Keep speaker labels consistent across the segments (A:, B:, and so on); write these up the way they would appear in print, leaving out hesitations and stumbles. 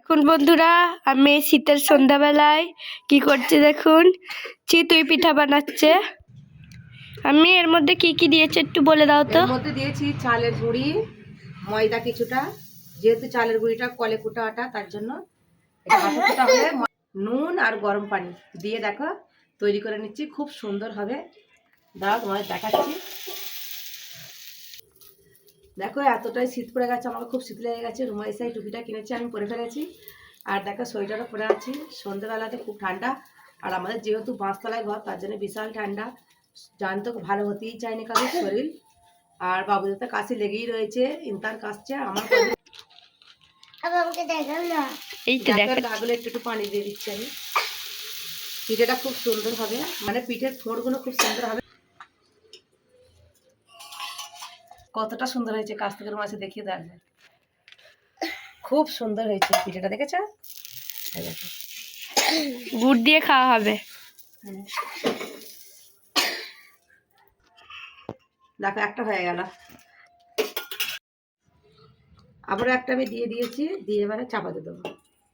A: দেখুন বন্ধুরা, আমি শীতের সন্ধ্যাবেলায় কি করছি দেখুন। চিতই পিঠা বানাচ্ছে। আমি এর মধ্যে কি কি দিয়েছি একটু বলে দাও তো।
B: এর মধ্যে দিয়েছি চালের গুঁড়ি, ময়দা কিছুটা, যেহেতু চালের গুঁড়িটা কলে কুটা আটা তার জন্য এটা হাতে কুটা হলে নুন আর গরম পানি দিয়ে দেখো তৈরি করে নিচ্ছি। খুব সুন্দর হবে, দাঁড়াও তোমাদের দেখাচ্ছি। দেখো এতটাই শীত পড়ে গেছে, আমাকে খুব শীত লেগে গেছে। রুমাইসাই টুপিটা কিনেছি, আমি পরে ফেলেছি। আর দেখো সোয়েটারও পরে আছি। সন্ধ্যেবেলাতে খুব ঠান্ডা, আর আমাদের যেহেতু বাঁশতলায় ঘর তার জন্য বিশাল ঠান্ডা। জানতো ভালো হতেই চায়নি কারোর শরীর। আর বাবুদের তো কাশি লেগেই রয়েছে, ইন্তার কাশছে। আমার
A: এই তো দেখো,
B: ডাগুলো একটু একটু পানি দিয়ে দিচ্ছি আমি। পিঠেটা খুব সুন্দর হবে, মানে পিঠের ফোড়গুলো খুব সুন্দর হবে। কতটা সুন্দর হয়েছে, কাছ থেকে মাছে দেখিয়ে দেওয়া যায়। খুব সুন্দর হয়েছে পিঠেটা, দেখেছো?
A: গুড় দিয়ে খাওয়া হবে।
B: দেখো একটা হয়ে গেল, আবারও একটা আমি দিয়ে দিয়েছি। দিয়ে এবারে চাপা দিয়ে দেবো,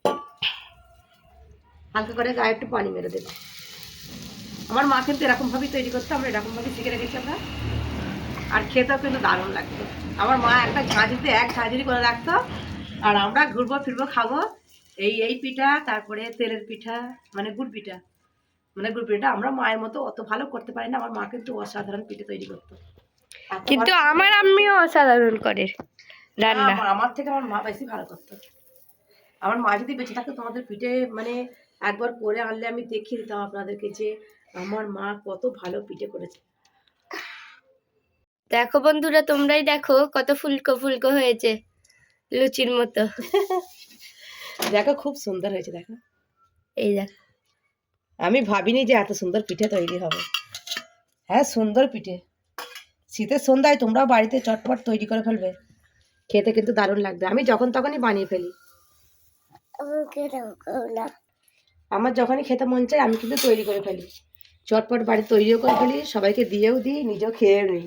B: হালকা করে গায়ে একটু পানি মেরে দেবো। আমার মা কিন্তু এরকমভাবেই তৈরি করতো, আমরা এরকমভাবেই শিখে রেখেছি আমরা। আর খেতেও কিন্তু দারুণ লাগতো। আমার মা একটা ঝাঁঝরিতে এক ঝাঁঝরি করে রাখতো, আর আমরা ঘুরবো ফিরবো খাবো। এই পিঠা, তারপরে তেলের পিঠা, মানে গুড় পিঠা, মানে গুড় পিঠাটা আমরা মায়ের মতো অত ভালো করতে পারি না। আমার মা কিন্তু অসাধারণ পিঠে তৈরি করতো,
A: কিন্তু আমার আম্মিও অসাধারণ করে রান্না।
B: আমার থেকে আমার মা বেশি ভালো করতো। আমার মা যদি বেঁচে থাকতো তোমাদের পিঠে মানে একবার করে আনলে আমি দেখিয়ে দিতাম আপনাদেরকে যে আমার মা কত ভালো পিঠে করেছে।
A: দেখো বন্ধুরা, তোমরাই দেখো কত ফুলকো ফুলকো হয়েছে, লুচির মতো।
B: দেখো খুব সুন্দর হয়েছে, দেখো।
A: এই দেখো,
B: আমি ভাবিনি যে এত সুন্দর পিঠে তৈরি হবে। হ্যাঁ, সুন্দর পিঠে। শীতের সন্ধ্যায় তোমরাও বাড়িতে চটপট তৈরি করে ফেলবে, খেতে কিন্তু দারুণ লাগবে। আমি যখন তখনই বানিয়ে ফেলি, আমার যখনই খেতে মন চায় আমি কিন্তু তৈরি করে ফেলি। চটপট বাড়ি তৈরিও করে ফেলি, সবাইকে দিয়েও দিই, নিজেও খেয়েও নিই।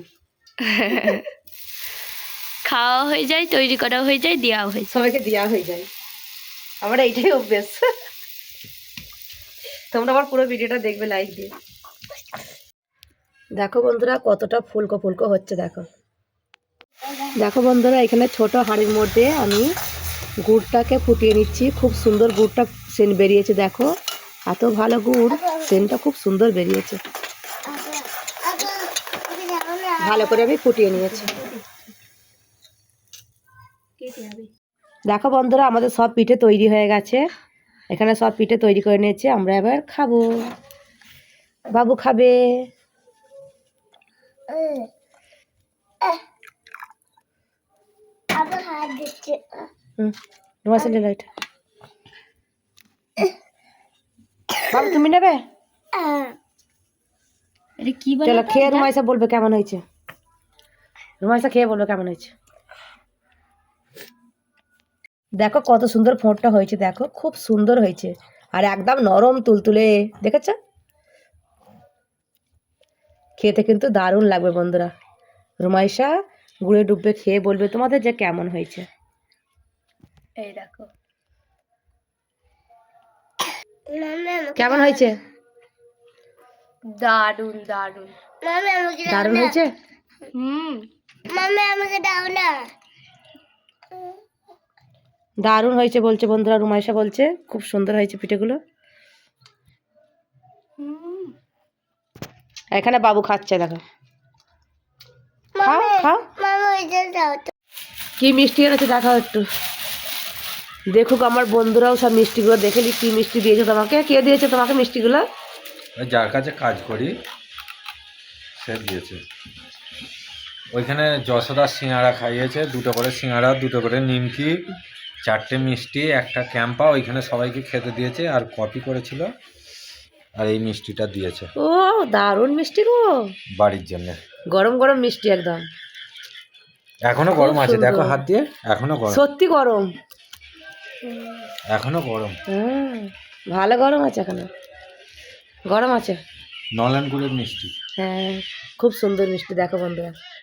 A: খাওয়া হয়ে যায়, তৈরি করা হয়ে যায়, দেওয়া হয়ে যায়,
B: সবাইকে দেওয়া হয়ে যায়। আমার এইটাই অভ্যেস। তোমরা আমার পুরো ভিডিওটা দেখবে লাইক দিয়ে। দেখো বন্ধুরা কতটা ফুলকো ফুলকো হচ্ছে, দেখো। দেখো বন্ধুরা, এখানে ছোট হাঁড়ির মধ্যে আমি গুড়টাকে ফুটিয়ে নিচ্ছি। খুব সুন্দর গুড়টা সেন্ট বেরিয়েছে, দেখো। এত ভালো গুড়, সেন্টটা খুব সুন্দর বেরিয়েছে। ভালো করে আমি ফুটিয়ে নিয়েছি। দেখো বন্ধুরা, আমাদের সব পিঠে তৈরি হয়ে গেছে। এখানে সব পিঠে তৈরি করে নিয়েছি, আমরা এবার খাবো। বাবু খাবে। বাবু তুমি নেবে? চলো খেয়ে রুমাইসা বলবে কেমন হয়েছে। রুমাইসা খেয়ে বলবে কেমন হয়েছে। দেখো কত সুন্দর ফোঁটটা হয়েছে, দেখো খুব সুন্দর হয়েছে। আর একদম নরম তুলতুলে, দেখেছ? খেতে কিন্তু দারুণ লাগবে বন্ধুরা। রুমাইসা গুড়ে ডুববে খেয়ে বলবে তোমাদের যে কেমন হয়েছে।
A: এই দেখো
B: কেমন হয়েছে?
A: দারুন দারুন
B: দারুণ হয়েছে।
A: আমাকে দাও না।
B: দারুণ হয়েছে বলছে বন্ধুরা, রুমাইসা বলছে খুব সুন্দর হয়েছে পিঠেগুলো। এখানে বাবু খাচ্ছে, দেখো। খাও খাও। কি মিষ্টি এনেছে দেখাও একটু, দেখুক আমার বন্ধুরাও সব মিষ্টিগুলো দেখে নি। কি মিষ্টি দিয়েছে তোমাকে? কে দিয়েছে তোমাকে মিষ্টিগুলো?
C: যার কাছে কাজ করি সে দিয়েছে। ওইখানে যশোদার সিঙ্গাড়া খাইয়েছে, 2টো করে সিঙ্গাড়া, 2টো করে নিমকি, 4টে মিষ্টি, একটা ক্যাম্পা ওইখানে সবাইকে খেতে দিয়েছে। আর কপি করেছিল, আর এই মিষ্টিটা দিয়েছে।
B: ও দারুণ মিষ্টি গো,
C: বাড়ির জন্য
B: গরম গরম মিষ্টি একদম।
C: এখনো গরম আছে, দেখো হাত দিয়ে, এখনো গরম,
B: সত্যি গরম,
C: এখনো গরম।
B: ভালো গরম আছে, এখনো গরম আছে।
C: নলেন গুড়ের মিষ্টি।
B: হ্যাঁ, খুব সুন্দর মিষ্টি। দেখো বন্ধুরা,